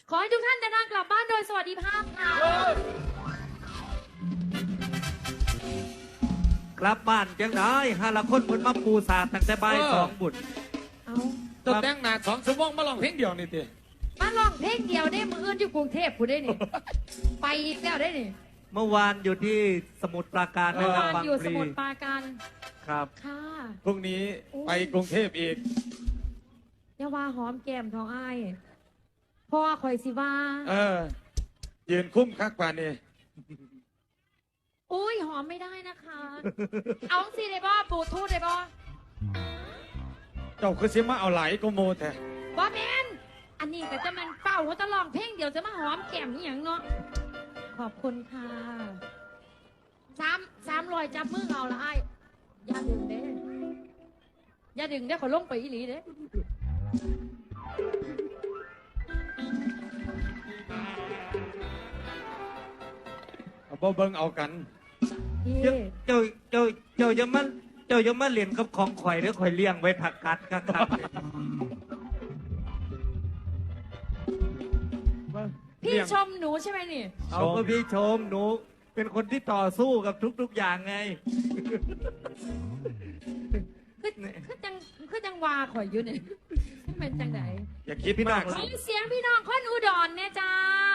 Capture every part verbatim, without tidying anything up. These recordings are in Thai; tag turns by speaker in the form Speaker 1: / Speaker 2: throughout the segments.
Speaker 1: ขอให้ทุกท่านเดินทางกลับบ้านโดยสวัสดิภาพค่ะ
Speaker 2: กลับบ้านจังได้ฮาละคนเพิ่นมาปูสาดตั้งแต่บ่ายสองบุญ
Speaker 1: เอา
Speaker 3: ตัวแต่งหน้าสองชั่วโมงมาลองเพลงเดียวนี่ติ
Speaker 1: มาลองเพลงเดียวได้มืออื่นอยู่กรุงเทพผู้ได้นี่ ไปอีกแล้วได้นี่
Speaker 2: เมื่อวานอยู่ที่สมุทรปราการ
Speaker 1: เมื่
Speaker 2: นะ
Speaker 1: อ
Speaker 2: ครับ
Speaker 1: วาน
Speaker 2: บาง
Speaker 1: อยู่
Speaker 2: พ
Speaker 1: ส
Speaker 2: ลี
Speaker 1: มุทรปราการ
Speaker 2: ครับ
Speaker 1: ค่ะ
Speaker 3: พรุ่งนี้ไปกรุงเทพอีก
Speaker 1: อย่าว่าหอมแก้มทองอ้ายพ่อคอยสิว่า
Speaker 3: เออ ยืนคุ้มคักกว่านี่
Speaker 1: อุ้ยหอมไม่ได้นะคะ เอาสิได้บ่บลูทูธได้บ่
Speaker 3: เจ้าคือสิมาเอาไหลก็โมแท้
Speaker 1: บ่แมนอันนี้ก็จะมันเป่าเขาจะลองเพลงเดียวจะมาหอมแก้มนี่อย่างเนาะขอบคุณค่ะสามสามรอยจับมือเอาละไอ้ายอย่าดึงเด้อย่าดึงเด้ขอลงไปอีหลีเด้
Speaker 3: เอาบ่เบิ่งเอากัน
Speaker 2: เจ้าเจ้าเจ้าเจ้าจะมาเจ้าจะมาเรียนกับของข่อยหรือข่อยเลี้ยงไว้ผักกัดครับครับ
Speaker 1: พี่ชมหนูใช่ไหมนี่
Speaker 2: เอาก็พี่ชมหนูเป็นคนที่ต่อสู้กับทุกๆอย่างไง
Speaker 1: คือคือจังคือจังวาข่อยอยู่เนี่ยเป็นจังไหน
Speaker 3: อย่าคิดมาก
Speaker 1: ขอเสียงพี่น้องคนอุดรเนี่ยจ้า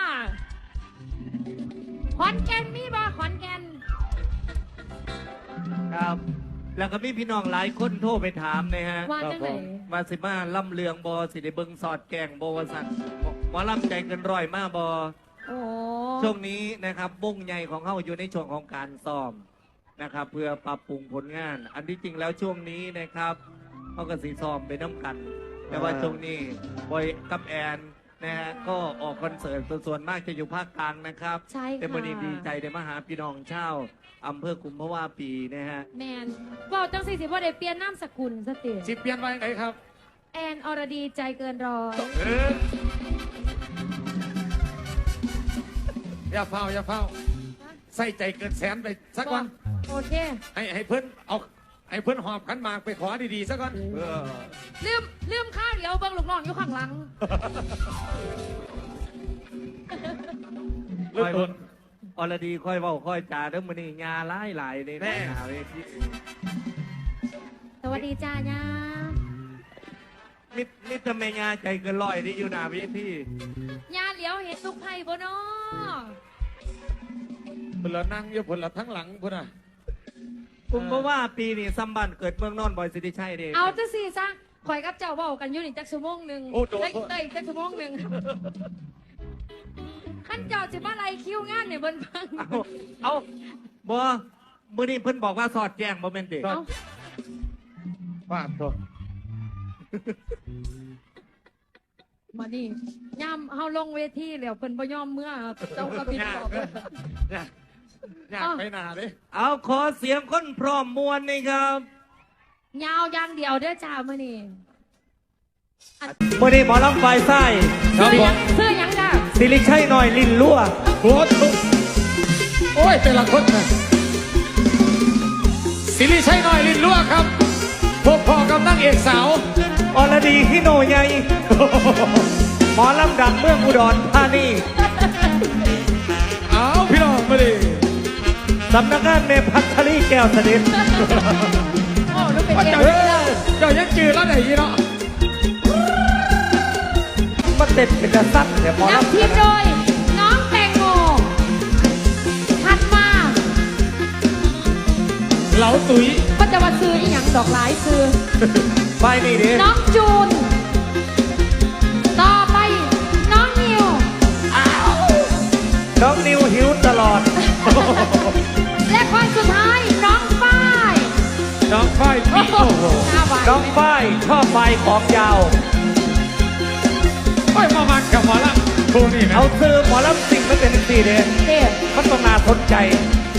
Speaker 1: ขอนแก่นมีบ่ขอนแก่น
Speaker 2: ครับ แล้วก็มีพี่น้องหลายคนโทรไปถามนะฮะ
Speaker 1: ว่าจังไหน
Speaker 2: มาสิมาล่ำเลืองบอสิได้เบิงสอดแกงบอวสันหมอล่ำใจเกินร้อยมาบอ
Speaker 1: โอ้
Speaker 2: ช่วงนี้นะครับบุ้งใหญ่ของเขาอยู่ในช่วงของการซ้อมนะครับ เพื่อปรับปรุงผลงาน อันที่จริงแล้วช่วงนี้นะครับเขาก็สีซ้อมไปน้ำกัน แต่ว่าช่วงนี้บอยกับแอนนะฮะก็ออกคอนเสิร์ตส่วนมากจะอยู่ภาคกลางนะครับ
Speaker 1: ใช่
Speaker 2: แต่
Speaker 1: ค่ะ
Speaker 2: วันนี้ดีใจได้มาหาพี่น้องเช่าวอำเภอกุมภาวะปีนะฮะ
Speaker 1: แมนบอกจังสิสิว่าได้เปลี่ยนนามสกุลสติ
Speaker 3: สิเปลี่ยนไว้ไหนครับ
Speaker 1: แอนอรดีใจเกินร้อย
Speaker 3: เอออย่าเฝ้าอย่าเฝ้าใส่ใจเกินแสนไปสักวัน
Speaker 1: โอเค
Speaker 3: ให้ให้เพื่อนเอาให้เพื่อนหอบขันหมากไปขอดีๆสักวันเออ
Speaker 1: ลืมลืมข้าวเดี๋ยวเบิ้งลูกน้องอยู่ข้างหลัง
Speaker 3: เริ่มต้น
Speaker 2: อรดีค่อยเว้าค่อยจาเด้อมื้อนี้งาหลายหลายใน
Speaker 3: แน่
Speaker 2: หน้าเวที
Speaker 1: สวัสดีจ้าญา
Speaker 2: มิดมิดทำไมงาใจเกินร้อยที่อยู่หน้าเวที
Speaker 1: ญาเหลียวเห็นลูกไผ่บ่เนาะ
Speaker 3: เพื่อนละนั่งอยู่เพื่อนละทั้งหลังพุ่นน่ะ
Speaker 2: กุมภาวะปีนี้ซัมบันเกิดเมืองนอนบอยสิริชัยเด้
Speaker 1: เอาจังสิซะข่อยกับเจ้าเว้ากันอยู่นี่จักชั่วโมงหนึง
Speaker 3: โอ้โห
Speaker 1: ได้ได้จักชั่วโมงหนึงขั้นเจ้าสิมาไล่คิวงานเนี่ยเบิ่นเบิ่ง
Speaker 2: เอาเอาบ่มื้อนี้เพิ่นบอกว่าสอดแจ้งบ่แม่นเด้
Speaker 1: เอา
Speaker 3: ฟาดโทษ
Speaker 1: มานี่ย่ำเฮาลงเวทีแล้วเพิ่นบ่ยอมเมื่อเจ้าก็บิน
Speaker 3: ยา
Speaker 1: อก อก
Speaker 3: เลยยากยากไปหนาเลย
Speaker 2: เอาขอเสียงคนพร้อมมวลนี่ครับ
Speaker 1: ยาวอย่างเดียวเด้อจ้ามื้อนี้
Speaker 2: มื้อนี้หมอลำไฟไส้
Speaker 3: ครับผม
Speaker 1: ซื้อหยังจ้า
Speaker 2: สิริชัยหน่อยลิ้นรั่ว
Speaker 3: โอ้โหโอ้ยแต่ละคนนะสิริชัยหน่อยลิ้นลวกครับพบพอกับนางเอกสาว
Speaker 2: อรดีฮิโนใหญ่ หมอลำดังเมืองอุดรธานี
Speaker 3: เอาพี่น้องมาดิ
Speaker 2: สำนักงานเมพัทรีแก้วเสด็จ
Speaker 1: โอ้ลูกเป็น
Speaker 3: ว่า
Speaker 1: เอ
Speaker 3: เจ้าว
Speaker 1: เลย
Speaker 3: เจ้ายังจืดแล้วไหนยี่เนาะ
Speaker 2: มันเด็ดเป็นกระสับแต่หมอลำ
Speaker 1: นำทีมโดยน้องแตงโมถัดมา
Speaker 3: เหลาตุ๋ย
Speaker 1: ก็จะมาซื้ออีหยังดอกหลายซื้อ
Speaker 2: ไปนี่ดิ
Speaker 1: น้องจูน ต่อไปน้องนิว
Speaker 2: น้องนิวหิวตลอด
Speaker 1: และคนสุดท้ายน้องฝ้าย
Speaker 3: น้องฝ้ายปีโอ้โห
Speaker 1: หน้าหวาน
Speaker 2: น้องฝ้ายชอบไฟของยาว
Speaker 3: โอ้ยมามันกับหมอละคู่นี่นะ
Speaker 2: เอาซื้อหมอลำสิ่งมันเป็นสี่เดน
Speaker 1: เด็ด
Speaker 2: มันต้องน่าสนใจ